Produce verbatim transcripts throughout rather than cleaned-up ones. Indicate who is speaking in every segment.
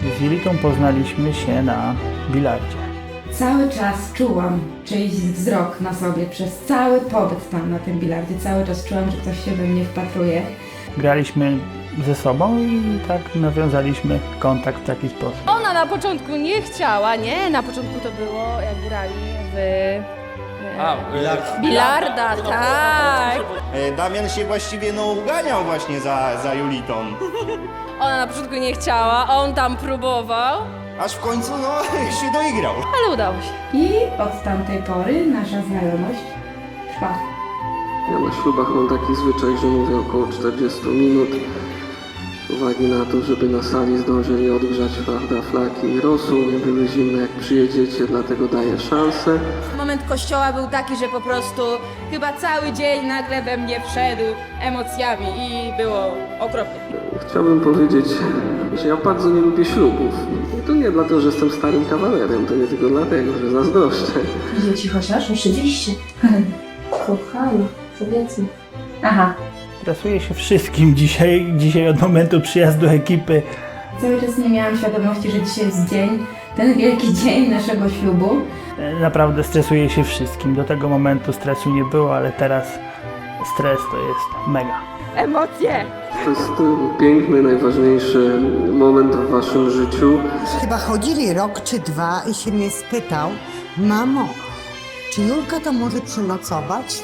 Speaker 1: Z Julitą poznaliśmy się na bilardzie.
Speaker 2: Cały czas czułam czyjś wzrok na sobie przez cały pobyt tam na tym bilardzie. Cały czas czułam, że ktoś się we mnie wpatruje.
Speaker 1: Graliśmy ze sobą i tak nawiązaliśmy kontakt w taki sposób.
Speaker 3: Ona na początku nie chciała, nie? Na początku to było, jak grali w...
Speaker 4: A,
Speaker 3: bilarda, tak!
Speaker 5: E, Damian się właściwie no uganiał właśnie za, za Julitą.
Speaker 3: Ona na początku nie chciała, on tam próbował,
Speaker 5: Aż w końcu no się doigrał.
Speaker 3: ale udało się.
Speaker 2: I od tamtej pory nasza znajomość trwa.
Speaker 6: Ja na ślubach mam taki zwyczaj, że mówię około czterdzieści minut. Z uwagi na to, żeby na sali zdążyli odgrzać, prawda, flaki i rosół, nie były zimne jak przyjedziecie, dlatego daję szansę.
Speaker 3: Moment kościoła był taki, że po prostu chyba cały dzień nagle we mnie wszedł emocjami i było okropnie.
Speaker 6: Chciałbym powiedzieć, że ja bardzo nie lubię ślubów. I to nie dlatego, że jestem starym kawalerem, to nie tylko dlatego, że zazdroszczę.
Speaker 7: Dzieci chociaż oczywiście. Kochana, powiedzmy.
Speaker 2: Aha.
Speaker 1: Stresuję się wszystkim dzisiaj, dzisiaj od momentu przyjazdu ekipy.
Speaker 2: Cały czas nie miałam świadomości, że dzisiaj jest dzień, ten wielki dzień naszego ślubu.
Speaker 1: Naprawdę stresuję się wszystkim. Do tego momentu stresu nie było, ale teraz stres to jest mega.
Speaker 3: Emocje!
Speaker 6: To jest y, piękny, najważniejszy moment w waszym życiu.
Speaker 8: Chyba chodzili rok czy dwa i się mnie spytał: mamo, czy Julka to może przenocować?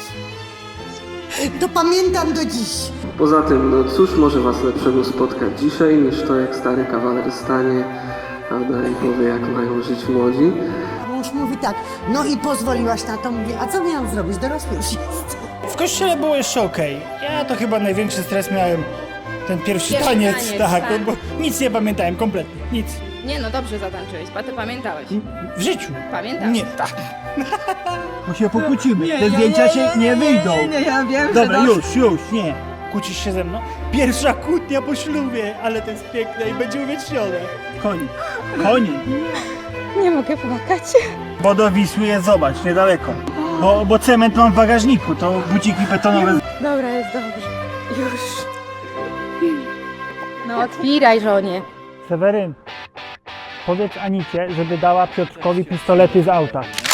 Speaker 8: To pamiętam do dziś.
Speaker 6: Poza tym, no cóż może was lepszego spotkać dzisiaj, niż to, jak stary kawaler stanie, prawda, i powie, jak mają żyć młodzi.
Speaker 8: Mąż mówi tak: no i pozwoliłaś na to? Mówię: a co miałam zrobić? Dorosły już jest.
Speaker 9: W kościele było jeszcze okej. Ja to chyba największy stres miałem. Ten pierwszy,
Speaker 3: Pierwszy
Speaker 9: taniec,
Speaker 3: taniec,
Speaker 9: tak,
Speaker 3: tak.
Speaker 9: bo nic nie pamiętałem kompletnie, nic.
Speaker 3: Nie no, dobrze zatańczyłeś, a ty pamiętałeś.
Speaker 9: W życiu.
Speaker 3: Pamiętam.
Speaker 9: Nie, tak.
Speaker 10: Bo się pokłócimy, te zdjęcia się nie wyjdą.
Speaker 8: Nie, ja wiem,
Speaker 9: Dobra, już, już, nie. Kłócisz się ze mną? Pierwsza kłótnia po ślubie, ale to jest piękne i będzie uwiecznione.
Speaker 10: Koniec, koniec.
Speaker 3: Nie mogę płakać.
Speaker 10: Bo do Wisły jest, zobacz, niedaleko. Bo, bo cement mam w bagażniku, to buciki betonowe.
Speaker 3: Dobra, jest dobrze. Już. No otwieraj, żonie.
Speaker 1: Seweryn, powiedz Anicie, żeby dała Piotrkowi pistolety z auta.